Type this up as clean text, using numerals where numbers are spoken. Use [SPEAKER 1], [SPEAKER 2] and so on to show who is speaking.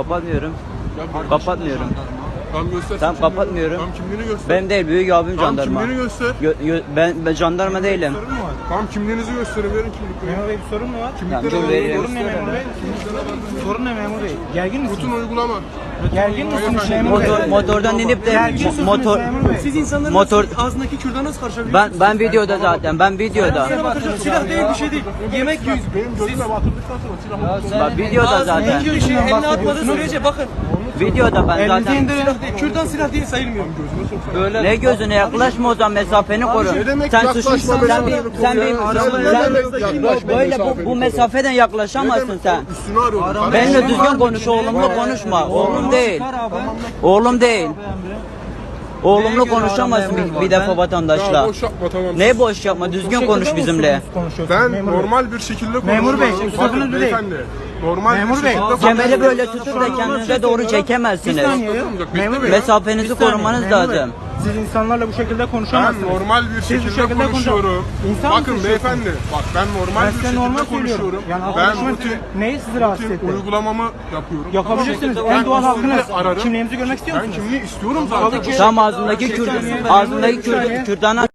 [SPEAKER 1] kapatmıyorum.
[SPEAKER 2] Ya
[SPEAKER 1] Kapatmıyorum.
[SPEAKER 2] Tamam göster.
[SPEAKER 1] Tamam
[SPEAKER 2] kimliğini.
[SPEAKER 1] kapatmıyorum.
[SPEAKER 2] Tamam kimliğini göster.
[SPEAKER 1] Benim değil, büyük abim
[SPEAKER 2] Tamam
[SPEAKER 1] jandarma.
[SPEAKER 2] kimliğini göster.
[SPEAKER 1] Ben jandarma değilim.
[SPEAKER 3] Sorun mu var?
[SPEAKER 2] Tamam kimliğinizi gösterin, verin kimlikleri.
[SPEAKER 3] Memur Bey bir sorun mu var?
[SPEAKER 2] Kimlikleri
[SPEAKER 1] Dur,
[SPEAKER 2] alalım.
[SPEAKER 1] vereyim.
[SPEAKER 3] Sorun ne memur bey? Sorun ne memur bey? Gergin
[SPEAKER 2] Rutin
[SPEAKER 3] misiniz?
[SPEAKER 2] uygulama.
[SPEAKER 3] Gergin misiniz memur bey?
[SPEAKER 1] Motordan inip de
[SPEAKER 3] Gergin misiniz
[SPEAKER 1] motor
[SPEAKER 3] memur bey?
[SPEAKER 4] Siz insanların
[SPEAKER 1] Motor-
[SPEAKER 4] ağzındaki kürdan nasıl karşılayabiliyorsunuz?
[SPEAKER 1] ben videoda zaten. Ben videoda.
[SPEAKER 4] Size bakacağım, silah değil bir şey değil. Yemek yiyoruz.
[SPEAKER 2] Benim gözüme batırdıktan sonra silahı
[SPEAKER 1] Bak videoda zaten.
[SPEAKER 4] Ağzındaki bir şey eline atmadığı sürece bakın.
[SPEAKER 1] Videoda ben
[SPEAKER 3] Elinizi
[SPEAKER 1] zaten.
[SPEAKER 3] indirin.
[SPEAKER 4] Silah değil, kürdan silah değil sayılmıyor.
[SPEAKER 1] Böyle ne gözüne yaklaşma o zaman, mesafeni koru.
[SPEAKER 2] Ne demek
[SPEAKER 1] Sen
[SPEAKER 2] yaklaşma
[SPEAKER 1] suçlusun. Sen bir
[SPEAKER 2] mesafeni
[SPEAKER 1] sen
[SPEAKER 2] koru ya? Ne demek
[SPEAKER 1] bir
[SPEAKER 2] yaklaşma
[SPEAKER 1] böyle
[SPEAKER 2] mesafeni
[SPEAKER 1] bu
[SPEAKER 2] koru?
[SPEAKER 1] mesafeden yaklaşamazsın sen.
[SPEAKER 2] Üstünü arıyorum.
[SPEAKER 1] Benimle düzgün konuş, oğlumla konuşma. Oğlum değil. Oğlum değil. Oğlumla konuşamazsın bir defa
[SPEAKER 2] Ya
[SPEAKER 1] vatandaşla.
[SPEAKER 2] boş yapma tamam.
[SPEAKER 1] Ne boş yapma, düzgün konuş bizimle.
[SPEAKER 2] Ben normal bir şekilde konuşuyorum.
[SPEAKER 3] Memur bey,
[SPEAKER 2] Bakın
[SPEAKER 3] sözünüzü değil.
[SPEAKER 2] beyefendi. Normal
[SPEAKER 3] Memur
[SPEAKER 2] bir
[SPEAKER 3] bey,
[SPEAKER 2] şekilde
[SPEAKER 1] Kemeri böyle
[SPEAKER 2] konuşuyorum.
[SPEAKER 1] tutup da kendinize doğru çekemezsiniz.
[SPEAKER 3] Bir saniye ya. Memur bey.
[SPEAKER 1] Mesafenizi korumanız
[SPEAKER 3] Memur Bey,
[SPEAKER 1] lazım.
[SPEAKER 3] Siz insanlarla bu şekilde
[SPEAKER 2] Ben
[SPEAKER 3] konuşamazsınız.
[SPEAKER 2] normal bir
[SPEAKER 3] Siz bu
[SPEAKER 2] şekilde
[SPEAKER 3] şekilde
[SPEAKER 2] konuşuyorum.
[SPEAKER 3] İnsan
[SPEAKER 2] Bakın
[SPEAKER 3] mısınız?
[SPEAKER 2] beyefendi, bak ben normal
[SPEAKER 3] Ben
[SPEAKER 2] bir
[SPEAKER 3] size
[SPEAKER 2] şekilde
[SPEAKER 3] normal
[SPEAKER 2] konuşuyorum.
[SPEAKER 3] söylüyorum. Yani
[SPEAKER 2] Ben
[SPEAKER 3] arkadaşımın
[SPEAKER 2] rutin,
[SPEAKER 3] neyi sizi rahatsız etti?
[SPEAKER 2] uygulamamı yapıyorum.
[SPEAKER 3] Yapabilirsiniz.
[SPEAKER 2] Tamam.
[SPEAKER 3] En doğal
[SPEAKER 2] Ben
[SPEAKER 3] hakkınız.
[SPEAKER 2] usulü ararım.
[SPEAKER 3] Kimliğinizi görmek istiyor
[SPEAKER 2] Ben
[SPEAKER 3] musunuz?
[SPEAKER 2] kimliği istiyorum zaten.
[SPEAKER 1] Tam ağzındaki kürdana